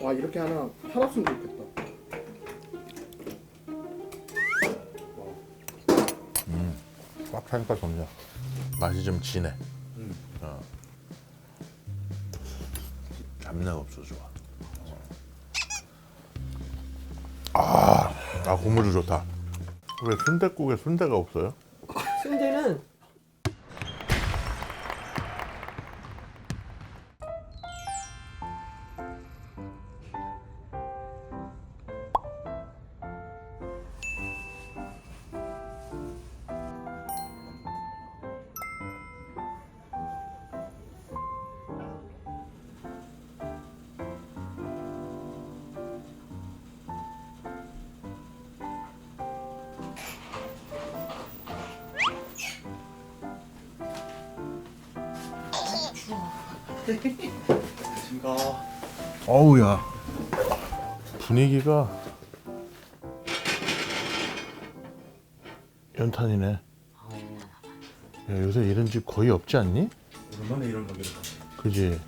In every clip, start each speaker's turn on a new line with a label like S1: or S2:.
S1: 아 이렇게 하나 팔았으면 좋겠다.
S2: 꽉 차니까 좋냐. 맛이 좀 진해. 잡내가 없어 좋아. 국물도 좋다. 왜 순댓국에 순대가 없어요?
S3: 순대는
S1: 안녕하십니까.
S2: 어우야. 분위기가 연탄이네. 야, 요새 이런 집 거의 없지 않니?
S1: 오랜만에 이런 가게를
S2: 그지?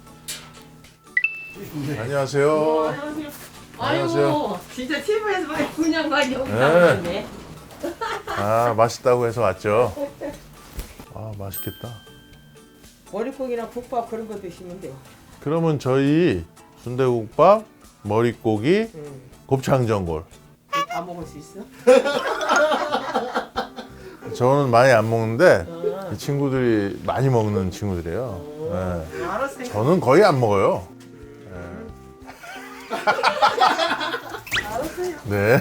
S2: 안녕하세요.
S3: 안녕하세요.
S2: 안녕하세요.
S3: 아이고, 진짜 TV에서 그냥 많이 여기 나왔네.
S2: 맛있다고 해서 왔죠. 맛있겠다.
S3: 머릿고기나 국밥 그런 거 드시면 돼요.
S2: 그러면 저희 순대국밥, 머릿고기, 곱창전골.
S3: 다 먹을 수 있어?
S2: 저는 많이 안 먹는데 이 친구들이 많이 먹는 친구들이에요. 네.
S3: 알았어요.
S2: 저는 거의 안 먹어요.
S3: 알았어요.
S2: 네.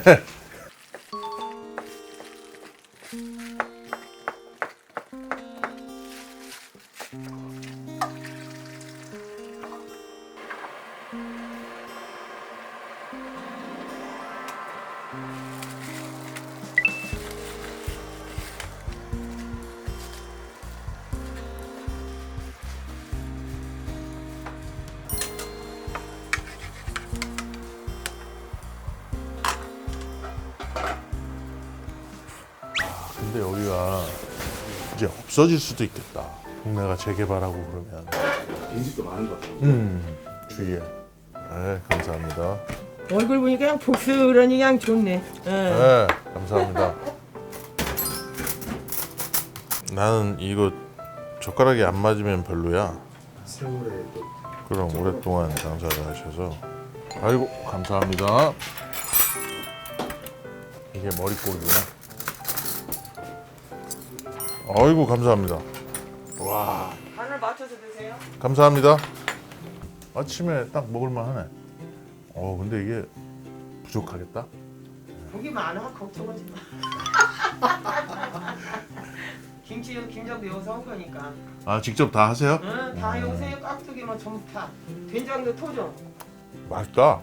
S2: 근데 여기가 이제 없어질 수도 있겠다. 동네가 재개발하고 그러면.
S1: 빈집도 많은 것 같아요.
S2: 주위에. 네, 감사합니다.
S3: 얼굴 보니까 그냥 복스러니 그냥 좋네.
S2: 네, 감사합니다. 나는 이거 젓가락이 안 맞으면 별로야.
S1: 세월에 또
S2: 그럼 오랫동안 장사를 하셔서. 아이고, 감사합니다. 이게 머릿고기구나. 아이고, 감사합니다. 와,
S3: 간을 맞춰서 드세요.
S2: 감사합니다. 아침에 딱 먹을만 하네. 근데 이게 부족하겠다.
S3: 고기 많아 걱정하지 마. 김장도 여기서 한 거니까.
S2: 직접 다 하세요?
S3: 다 여기서 깍두기만 전부 다. 된장도 토종.
S2: 맛있다.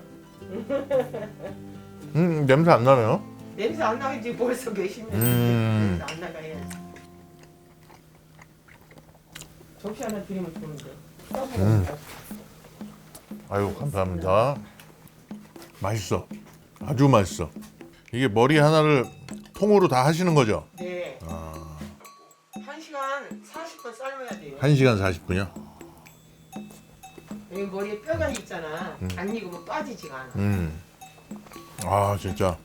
S2: 냄새 안 나네요?
S3: 냄새 안 나겠지 벌써 몇십 년.
S2: 음.
S3: 냄새 안 나가야. 접시 하나 드리면 좋은데.
S2: 아유, 감사합니다. 맛있어. 아주 맛있어. 이게 머리 하나를 통으로 다 하시는 거죠?
S3: 네. 1시간 40분 삶아야 돼요.
S2: 1시간 40분이요?
S3: 여기 머리에 뼈가 있잖아. 안 익으면 빠지지가 않아.
S2: 진짜.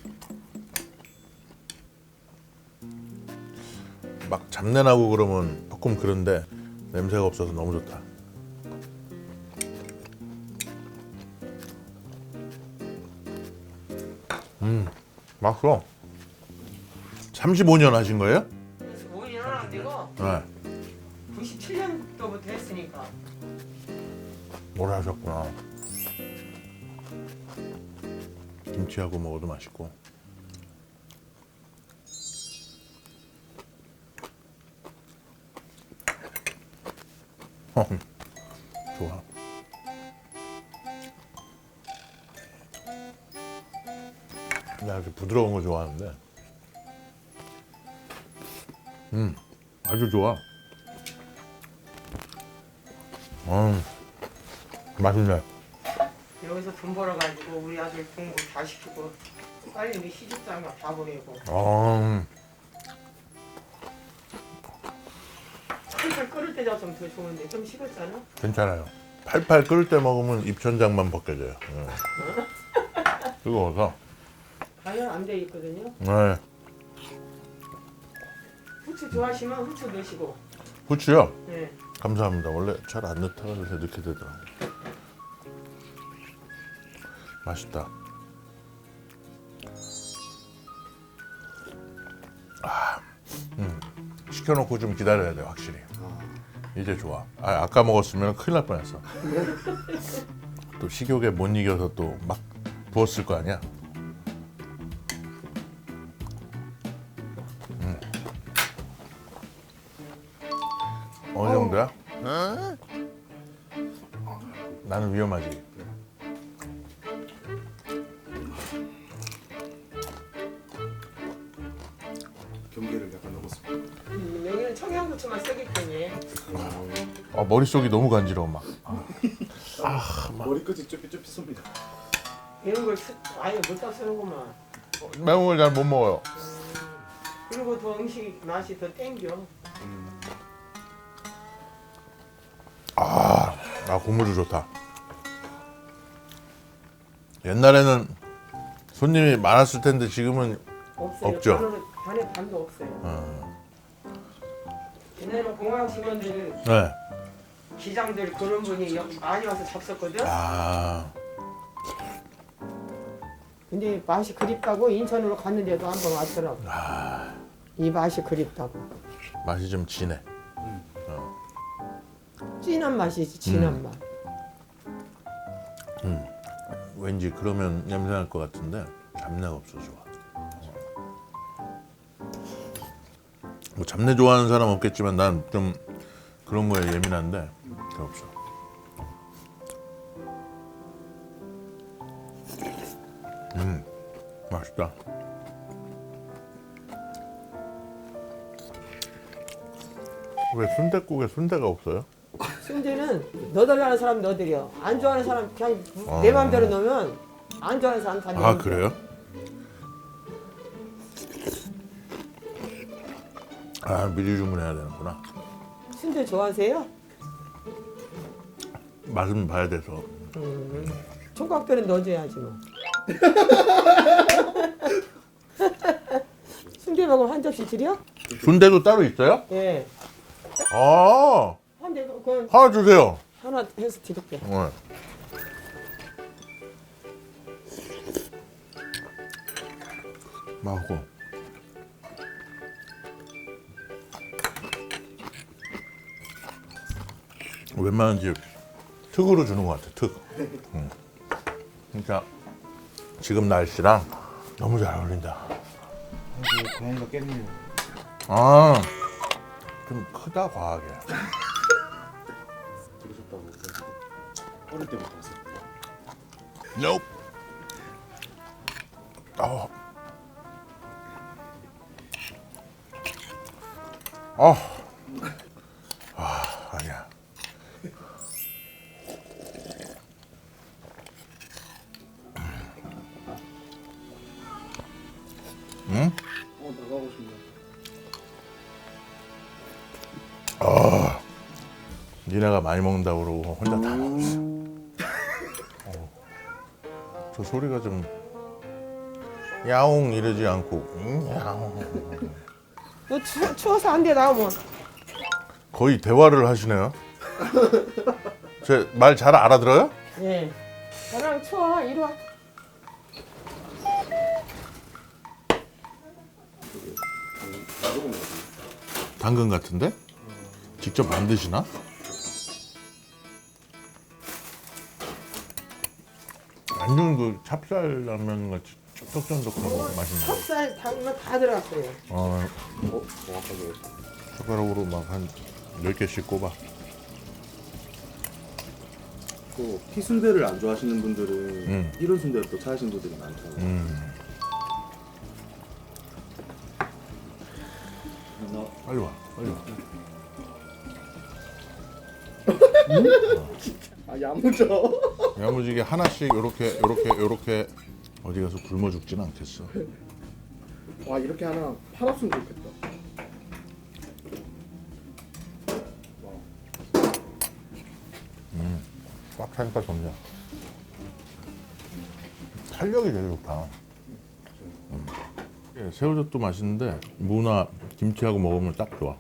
S2: 막 잡내 나고 그러면 조금 그런데 냄새가 없어서 너무 좋다. 맛있어. 35년 하신 거예요?
S3: 그래서 5년은 안 되고
S2: 네.
S3: 97년도부터 했으니까.
S2: 오래 하셨구나. 김치하고 먹어도 맛있고. 좋아. 나 이렇게 부드러운 거 좋아하는데. 아주 좋아. 맛있네.
S3: 여기서 돈 벌어가지고 우리 아들 공부 다 시키고 빨리 우리 시집장가 다 보내고 살살 끓을 때 잡으면 더 좋은데 좀 식었잖아.
S2: 괜찮아요. 팔팔 끓을 때 먹으면 입천장만 벗겨져요. 뜨거워서.
S3: 가열 안 돼 있거든요.
S2: 네.
S3: 후추 좋아하시면 후추 넣으시고.
S2: 후추요?
S3: 네.
S2: 감사합니다. 원래 잘 안 넣다가 요새 넣게 되더라고요. 맛있다. 시켜놓고 좀 기다려야 돼 확실히. 이제 좋아. 아까 먹었으면 큰일 날 뻔했어. 또 식욕에 못 이겨서 또 막 부었을 거 아니야. 어느 정도야? 나는 위험하지.
S1: 경계를 약간 넘었습니다.
S3: 여기는 청양고추만 쓰기 때문에.
S2: 머릿속이 너무 간지러워 막.
S1: 머리끝이 쭈삣쭈삣습니다.
S3: 이런 걸 아예 못다 쓰는구만.
S2: 매운 걸 잘 못 먹어요.
S3: 그리고 더 음식 맛이 더 땡겨.
S2: 고무줄 좋다. 옛날에는 손님이 많았을 텐데 지금은
S3: 없어요.
S2: 없죠.
S3: 반에 반도 없어요. 옛날에는 공항 직원들,
S2: 네.
S3: 기장들 그런 분이 많이 와서 잡섰거든. 근데 맛이 그립다고 인천으로 갔는데도 한 번 왔더라고. 이 맛이 그립다고.
S2: 맛이 좀 진해.
S3: 진한 맛이지, 진한 맛.
S2: 왠지 그러면 냄새 날 것 같은데 잡내가 없어 좋아. 뭐 잡내 좋아하는 사람 없겠지만 난 좀 그런 거에 예민한데 그게 없어. 맛있다. 왜 순댓국에 순대가 없어요?
S3: 순대는 넣어달라는 사람 넣어드려. 안 좋아하는 사람 그냥 내 맘대로 넣으면 안 좋아하는 사람 다 넣어.
S2: 그래요? 미리 주문해야 되는구나.
S3: 순대 좋아하세요?
S2: 맛은 봐야 돼서.
S3: 총각들은 넣어줘야지 뭐. 순대 먹으면 한 접시 드려?
S2: 순대도 따로 있어요?
S3: 예. 한 대, 그건
S2: 하나 주세요.
S3: 하나 해서 드릴게.
S2: 네. 맛있고. 웬만한 집 특으로 주는 것 같아. 특. 그러니까 지금 날씨랑 너무 잘 어울린다.
S1: 고양이가 깼네요.
S2: 좀 크다 과하게.
S1: 들으셨다고 그래서 어릴 때부터 왔어요.
S2: Nope. 아니야.
S1: 나가고 싶네.
S2: 니네가 많이 먹는다고 그러고 혼자 다 먹었어. 저 소리가 좀 야옹 이러지 않고 야옹.
S3: 너 추워서 안 돼 나오면.
S2: 거의 대화를 하시네요. 제 말 잘 알아들어요?
S3: 예. 나랑 추워 이리 와.
S2: 당근 같은데? 직접 만드시나? 완전 그 찹쌀라면 같이 쫀득쫀득하고 맛있네.
S3: 찹쌀 당면 다 들어갔어요.
S1: 정확하게.
S2: 숟가락으로 막 한 10개씩 꼽아.
S1: 또 피순대를 안 좋아하시는 분들은 이런 순대를 또 찾으시는 분들이 많더라고요.
S2: 빨리 와, 빨리 와.
S1: 야무져.
S2: 야무지게 하나씩 요렇게 어디 가서 굶어 죽진 않겠어.
S1: 와, 이렇게 하나 팔았으면 좋겠다.
S2: 살밖에 없냐. 탄력이 되게 좋다. 예, 새우젓도 맛있는데 무나 김치하고 먹으면 딱 좋아.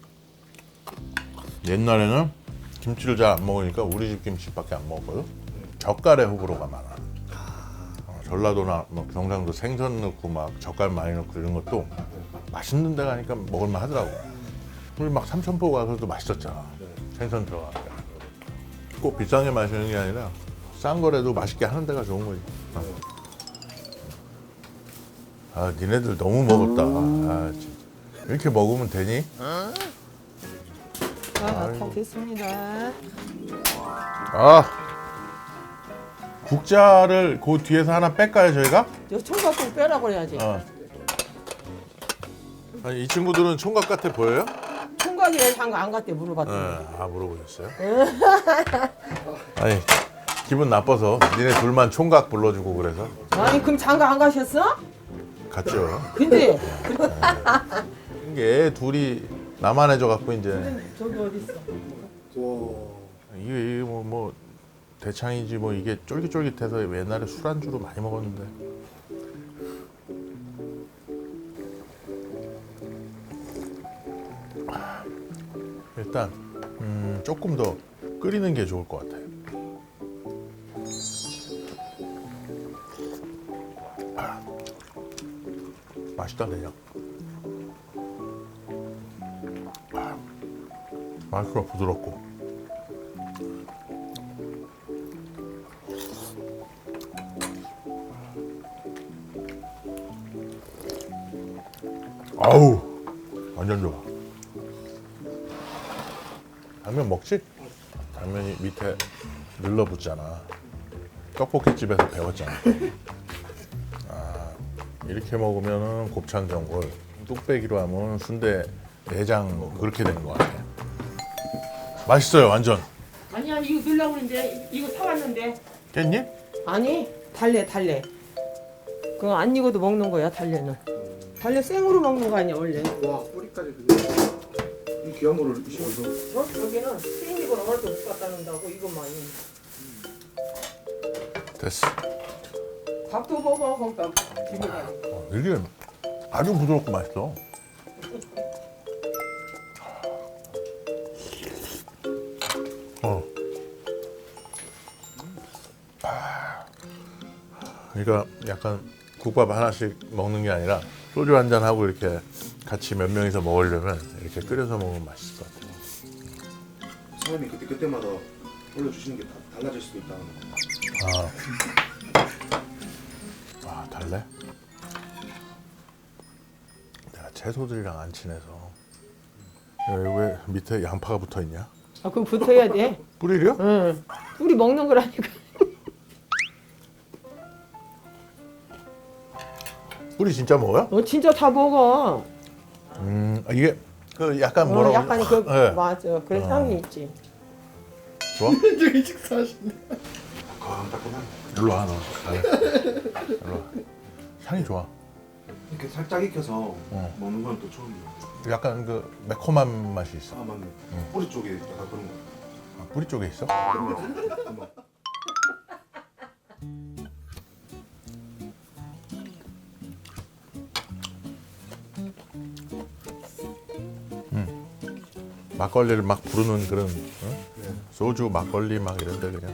S2: 옛날에는 김치를 잘 안 먹으니까 우리 집 김치밖에 안 먹었거든. 젓갈에 호불호가 많아. 전라도나 뭐 경상도 생선 넣고 막 젓갈 많이 넣고 이런 것도 맛있는 데 가니까 먹을만 하더라고. 우리 막 삼천포 가서도 맛있었잖아. 생선 들어가니까. 꼭 비싼 게 맛있는 게 아니라 싼 거라도 맛있게 하는 데가 좋은 거지. 아, 니네들 너무 먹었다. 아, 진짜. 이렇게 먹으면 되니?
S3: 다 됐습니다.
S2: 아, 국자를 그 뒤에서 하나 뺄까요, 저희가?
S3: 저 총각 좀 빼라고 그래야지.
S2: 아니, 이 친구들은 총각 같아 보여요?
S3: 총각이 왜 장가 안 갔대 물어봤더니.
S2: 아, 물어보셨어요? 아니, 기분 나빠서 니네 둘만 총각 불러주고 그래서
S3: 아니 그럼 장가 안 가셨어?
S2: 갔죠.
S3: 근데
S2: 이게 애 둘이 나만해져 갖고 이제
S3: 저기 어디 있어?
S2: 이게 뭐 대창이지 뭐 이게 쫄깃쫄깃해서 옛날에 술안주로 많이 먹었는데. 일단 조금 더 끓이는 게 좋을 것 같아요. 맛있다 그냥. 맛있어, 부드럽고. 아우, 완전 좋아. 당면 먹지? 당면이 밑에 늘러붙잖아. 떡볶이집에서 배웠잖아. 아, 이렇게 먹으면 곱창 전골, 뚝배기로 하면 순대 내장 그렇게 되는 것 같아. 맛있어요, 완전.
S3: 아니야 이거 넣으려고 그랬는데 이거 사왔는데.
S2: 깼니?
S3: 아니 달래. 그거 안 익어도 먹는 거야 달래는. 달래 생으로 먹는 거 아니야 원래.
S1: 와 뿌리까지 그게 이 귀한 거를 씹어서
S3: 여기는 생이거나 얼도 못 갖다 놓는다고 이것만이.
S2: 됐어.
S3: 밥도 먹어 거기다 비벼가지고.
S2: 이게 아주 부드럽고 맛있어. 그러니까 약간 국밥 하나씩 먹는 게 아니라 소주 한 잔 하고 이렇게 같이 몇 명이서 먹으려면 이렇게 끓여서 먹으면 맛있을 것 같아요.
S1: 사장님이 그때마다 올려주시는 게 달라질 수도 있다는 거.
S2: 아, 달래? 내가 채소들이랑 안 친해서. 여기 왜 밑에 양파가 붙어 있냐?
S3: 아 그럼 붙어야 돼.
S2: 뿌리려?
S3: 응. 우리 먹는 거라니까.
S2: 뿌리 진짜 먹어요?
S3: 진짜 다 먹어.
S2: 이게 그 약간 뭐라고?
S3: 약간 그
S2: 네.
S3: 맞아. 그래 향이 있지.
S2: 좋아?
S1: 저기 식사하시네. 따끈따끈한.
S2: 일로 와 너. 일로 와. 향이 좋아.
S1: 이렇게 살짝 익혀서 먹는 건 또 처음이에요.
S2: 약간 그 매콤한 맛이 있어.
S1: 아 맞네. 뿌리 쪽에 약간 그런 거.
S2: 아, 뿌리 쪽에 있어?
S1: 그런 거.
S2: 막걸리를 막 부르는 그런 소주 막걸리 막 이런데 그냥.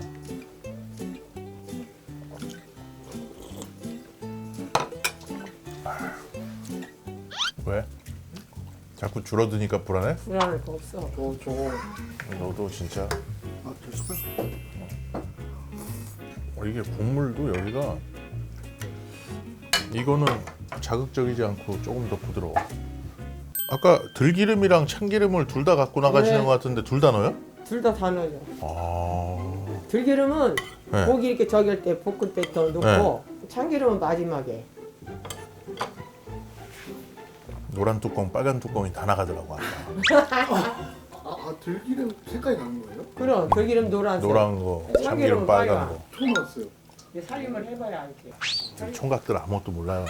S2: 왜? 자꾸 줄어드니까 불안해?
S3: 불안할 거 없어.
S1: 저거
S2: 너도 진짜.
S1: 저 숟갈.
S2: 이게 국물도 여기가 이거는 자극적이지 않고 조금 더 부드러워. 아까 들기름이랑 참기름을 둘 다 갖고 나가시는
S3: 네.
S2: 것 같은데 둘 다 넣어요?
S3: 둘 다 넣어요.
S2: 아,
S3: 들기름은
S2: 네.
S3: 고기 이렇게 저길 때 볶을 때 더 넣고 참기름은 마지막에.
S2: 노란 뚜껑, 빨간 뚜껑이 다 나가더라고 아까.
S1: 들기름 색깔이 나는 거예요?
S3: 그럼 들기름 노란색.
S2: 노란 거, 참기름
S3: 참기름은
S2: 빨간
S3: 빨간.
S2: 거.
S1: 처음 알았어요.
S3: 살림을 해봐야 알지.
S2: 총각들 아무것도 몰라요.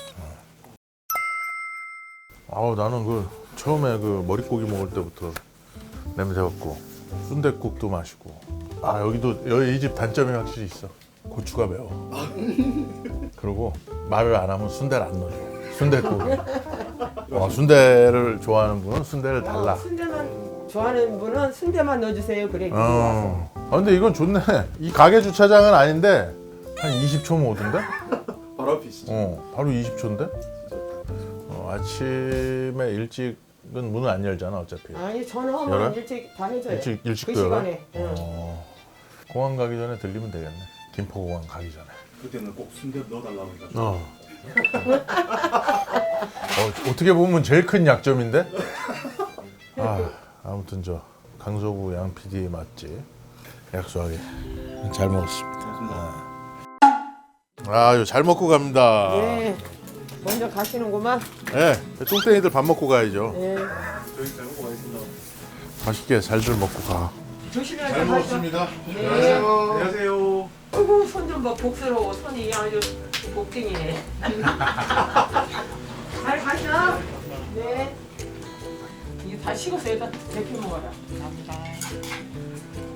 S2: 아우 나는 그 처음에 그 머릿고기 먹을 때부터 냄새 맡고 순댓국도 맛있고 아 여기도 이 집 단점이 확실히 있어. 고추가 매워. 그리고 말을 안 하면 순대를 안 넣어줘. 순댓국에. 순대를 좋아하는 분은 순대를 달라.
S3: 순대만 좋아하는 분은 순대만 넣어주세요. 그래. 와서.
S2: 근데 이건 좋네. 이 가게 주차장은 아닌데 한 20초면 오던데?
S1: 바로 앞이시죠?
S2: 바로 20초인데? 아침에 일찍은 문을 안 열잖아 어차피.
S3: 아니 전화하면
S2: 열어요?
S3: 일찍 다 해줘요.
S2: 일찍
S3: 그
S2: 열어?
S3: 시간에. 응.
S2: 공항 가기 전에 들리면 되겠네. 김포공항 가기 전에.
S1: 그때는 꼭 순대 넣어달라고 해가지고.
S2: 어떻게 보면 제일 큰 약점인데? 아무튼 저 강서구 양 PD 맛집 약소하게 잘 먹었습니다.
S1: 고맙습니다.
S2: 잘 먹고 갑니다.
S3: 네. 먼저 가시는구만.
S2: 네, 뚱땡이들 밥 먹고 가야죠.
S3: 네.
S1: 저희 잘 먹고 가겠습니다.
S2: 맛있게 잘들 먹고 가.
S3: 조심히
S2: 잘
S3: 가시죠.
S2: 먹었습니다.
S3: 네.
S1: 안녕하세요.
S3: 어이구 손 좀 봐. 복스러워. 손이 아주 복딩이네. 잘 가셔. 네. 이게 다 식었어요. 다 데펴 먹어라. 감사합니다.